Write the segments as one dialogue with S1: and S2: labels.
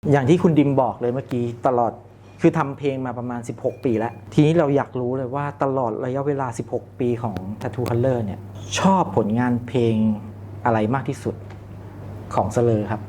S1: อย่างที่คุณดิมบอกเลยเมื่อกี้ตลอดคือทำเพลงมาประมาณ16ปีแล้วทีนี้เราอยากรู้เลยว่าตลอดระยะเวลา16ปีของ Tattoo Color เนี่ยชอบผลงานเพลงอะไรมากที่สุดของเสลอครับ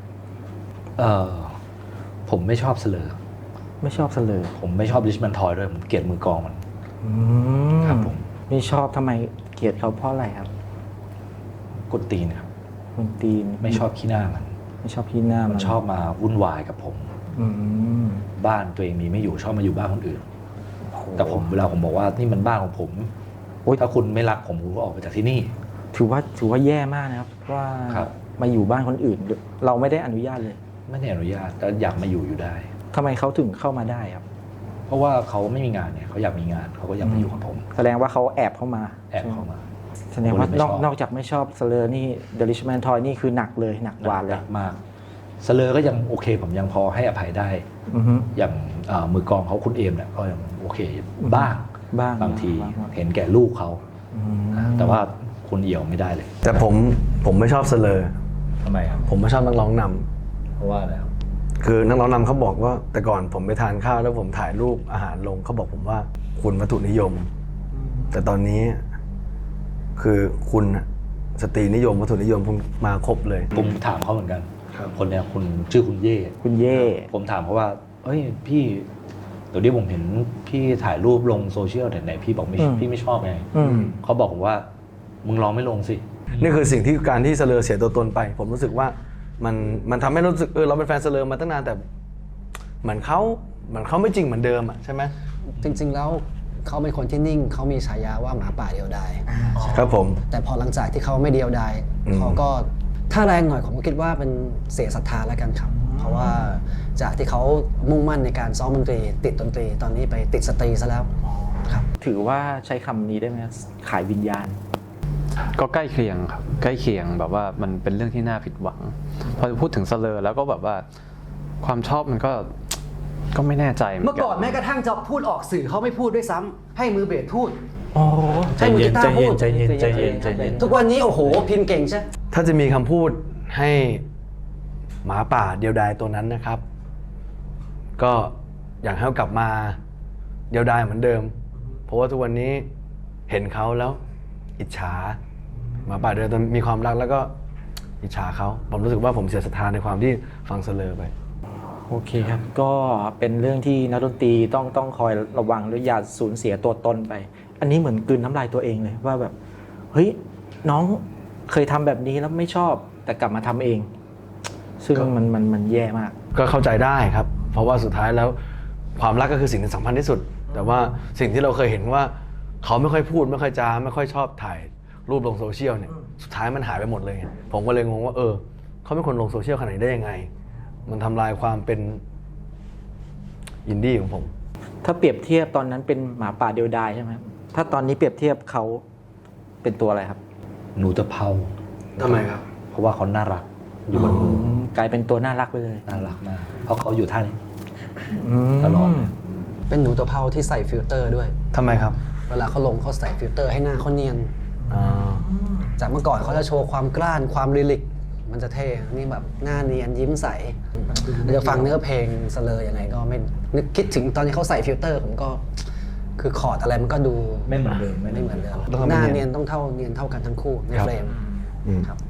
S2: ผมไม่ชอบเสลอ
S1: ไม่ชอบเสลอ
S2: ผมไม่ชอบริชแมนทอยด้วยผมเกลียดมือกลองมันครับผม
S1: ไม่ชอบทำไมเกลียดเขาเพราะอะไรครับ
S2: กดตีนครับ
S1: กดตีน
S2: ไม่ชอบขี้หน้ามัน
S1: ไม่ชอบขี้หน้ามัน
S2: ชอบมาวุ่นวายกับผมบ้านตัวเองมีไม่อยู่ชอบมาอยู่บ้านคนอื่นแต่เวลาผมบอกว่านี่มันบ้านของผมถ้าคุณไม่รักผมก็ออกไปจากที่นี่
S1: ถือว่าแย่มากนะครับว่ามาอยู่บ้านคนอื่นเราไม่ได้อนุญาตเลย
S2: ไม่ได้อนุญาตแต่อยากมาอยู่ได้
S1: ทำไมเขาถึงเข้ามาได้ครับ
S2: เพราะว่าเขาไม่มีงานเนี่ยเขาอยากมีงานเขาก็อยากมาอยู่กับผม
S1: แสดงว่าเขาแอบเข้ามาแสดงว่านอกจากไม่ชอบเสลอนี่เดลิชแมนทอยนี่คือหนักเลยหนักกว่าเลย
S2: มากเสลอก็ยังโอเคผมยังพอให้อภัยได้อย่างมือกลองเขาคุณเอมเนี่ยก็ยังโอเคบ้างบางทีเห็นแก่ลูกเขาแต่ว่าคุณเอี่ยวไม่ได้เลย
S3: แต่ผมไม่ชอบเสลอ
S2: ทำไมครับ
S3: ผมไม่ชอบนักร้องนำ
S2: เพราะว่าอะไรครับ
S3: คือนักร้องนำเขาบอกว่าแต่ก่อนผมไปทานข้าวแล้วผมถ่ายรูปอาหารลงเขาบอกผมว่าคุณวัตถุนิยมแต่ตอนนี้คือคุณสตรีนิยมวัตถุนิยมคุณมาครบเลย
S2: ผมถามเขาเหมือนกันคนเนี้ยคุณชื่อคุณเย่ผมถามเขาว่าเอ้ยพี่เดี๋ยวนี้ผมเห็นพี่ถ่ายรูปลงโซเชียลไหนพี่บอกพี่ไม่ชอบไงเขาบอกผมว่ามึงลองไม่ลงสิ
S3: นี่คือสิ่งที่การที่เสลอเสียตัวตนไปผมรู้สึกว่ามันทำให้รู้สึกเราเป็นแฟนเสลอมาตั้งนานแต่เหมือนเขาไม่จริงเหมือนเดิมอ่ะใช่ไหม
S4: จริงๆแล้วเขาเป็นคนที่นิ่งเขามีฉายาว่าหมาป่าเดียวดาย
S3: ครับผม
S4: แต่พอหลังจากที่เขาไม่เดียวดายเขาก็ถ้าแรงหน่อยผมก็คิดว่าเป็นเสียศรัทธาแล้วกันครับเพราะว่าจากที่เขามุ่งมั่นในการซ้อมดนตรีติดดนตรีตอนนี้ไปติดสตรีซะแล้วครับ
S1: ถือว่าใช้คำนี้ได้ไหมขายวิญญาณ
S5: ก็ใกล้เคียงครับใกล้เคียงแบบว่ามันเป็นเรื่องที่น่าผิดหวังพอพูดถึงเสลอแล้วก็แบบว่าความชอบมันก็ไม่แน่ใจ
S4: เมื่อก่อนแม้กระทั่งจะพูดออกสื่อเขาไม่พูดด้วยซ้ำให้มือเบสพูด
S1: ให้มือกีตาร์พูด
S2: ใจเย็น
S4: ทุกวันนี้โอ้โหพิมพ์เก่งใช่
S3: ถ้าจะมีคำพูดให้หมาป่าเดียวดายตัวนั้นนะครับก็อยากให้เขากลับมาเดียวดายเหมือนเดิมเพราะว่าทุกวันนี้เห็นเขาแล้วอิจฉาหมาป่าเดียวดายมีความรักแล้วก็อิจฉาเขาผมรู้สึกว่าผมเสียศรัทธาในความที่ฟังเสลอไป
S1: โอเคครับก็เป็นเรื่องที่นักดนตรีต้องคอยระวังและอย่าสูญเสียตัวตนไปอันนี้เหมือนกลืนน้ำลายตัวเองเลยว่าแบบเฮ้ยน้องเคยทำแบบนี้แล้วไม่ชอบแต่กลับมาทำเองซึ่งมันแย่มาก
S3: ก็เข้าใจได้ครับเพราะว่าสุดท้ายแล้วความรักก็คือสิ่งที่สำคัญที่สุดแต่ว่าสิ่งที่เราเคยเห็นว่าเขาไม่ค่อยพูดไม่ค่อยจาไม่ค่อยชอบถ่ายรูปลงโซเชียลเนี่ยสุดท้ายมันหายไปหมดเลยผมก็เลยงงว่าเขาเป็นคนลงโซเชียลขนาดนี้ได้ยังไงมันทำลายความเป็นอินดี้ของผม
S1: ถ้าเปรียบเทียบตอนนั้นเป็นหมาป่าเดียวดายใช่ไหมถ้าตอนนี้เปรียบเทียบเขาเป็นตัวอะไรครับ
S2: หนูตะเภา
S3: ทำไมครับ
S2: เพราะว่าเขาน่ารักอยู่บนมื
S1: อกลายเป็นตัวน่ารักไปเลย
S2: น่ารักมากเพราะเขาอยู่ท่านี้ตลอด
S4: เป็นหนูตะเภาที่ใส่ฟิลเตอร์ด้วย
S3: ทำไมครับ
S4: เวลาเขาลงเขาใส่ฟิลเตอร์ให้หน้าเขาเนียนจากเมื่อก่อนเขาจะโชว์ความกล้านความลิลิกมันจะเท่นี่แบบหน้าเนียนยิ้มใสเราจะฟังเนื้อเพลงเสลอยังไงก็ไม่นึกคิดถึงตอนที่เขาใส่ฟิลเตอร์ผมก็คือคอร์ดอะไรมันก็ดู
S2: ไม่เหมือนเดิม
S4: ไม่เหมือนเดิมหน้าเนียนต้องเนียนเท่ากันทั้งคู่ในเฟรมครับ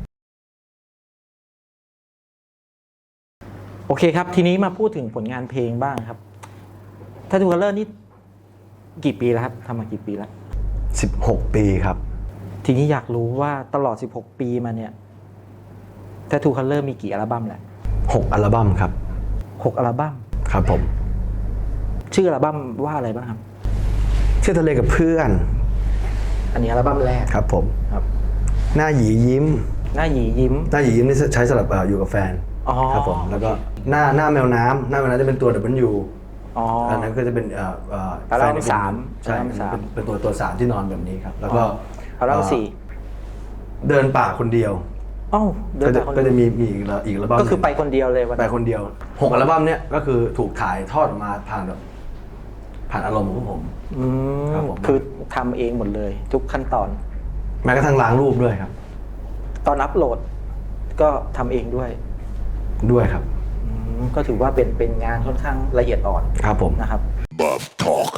S1: โอเคครับทีนี้มาพูดถึงผลงานเพลงบ้างครับTattoo Colorนี่กี่ปีแล้วครับทำมากี่ปีแล้ว
S3: 16 ปีครับ
S1: ทีนี้อยากรู้ว่าตลอด16 ปีมาเนี่ยTattoo Colorมีกี่อัลบั้มแหละ
S3: 6 อัลบั้มครับ
S1: 6 อัลบั้ม
S3: ครับผม
S1: ชื่ออัลบั้มว่าอะไรบ้างครับ
S3: ชื่อทะเลกับเพื่อน
S1: อันนี้อัลบั้มแรก
S3: ครับผม
S1: ครับ
S3: หน้าหยียิ้ม
S1: หน้าหยียิ้ม
S3: นี่ใช้สำหรับอยู่กับแฟนครับผมแล้วก็หน้าแมวน้ำจะเป็นตัว W อันนั้นก็จะเป็น
S1: อัลบั้ม3
S3: ใช่เป็นตัว3ที่นอนแบบนี้ครับแล้วก็
S1: อัลบั้ม
S3: 4เดินป่าคนเดียวก็จะมีอีกอัลบั้ม
S1: ก็คือไปคนเดียวเลย
S3: ไปคนเดียว6 อัลบั้มเนี้ยก็คือถูกถ่ายทอดมาผ่านอารมณ์ของผม
S1: คือทำเองหมดเลยทุกขั้นตอน
S3: แม้กระทั่งล้างรูปด้วยครับ
S1: ตอนอัพโหลดก็ทำเองด้วย
S3: ครับ
S1: ก็ถือว่าเป็นงานค่อนข้างละเอียดอ่อน
S3: ครับผม
S1: นะครับ
S6: Bub Talk.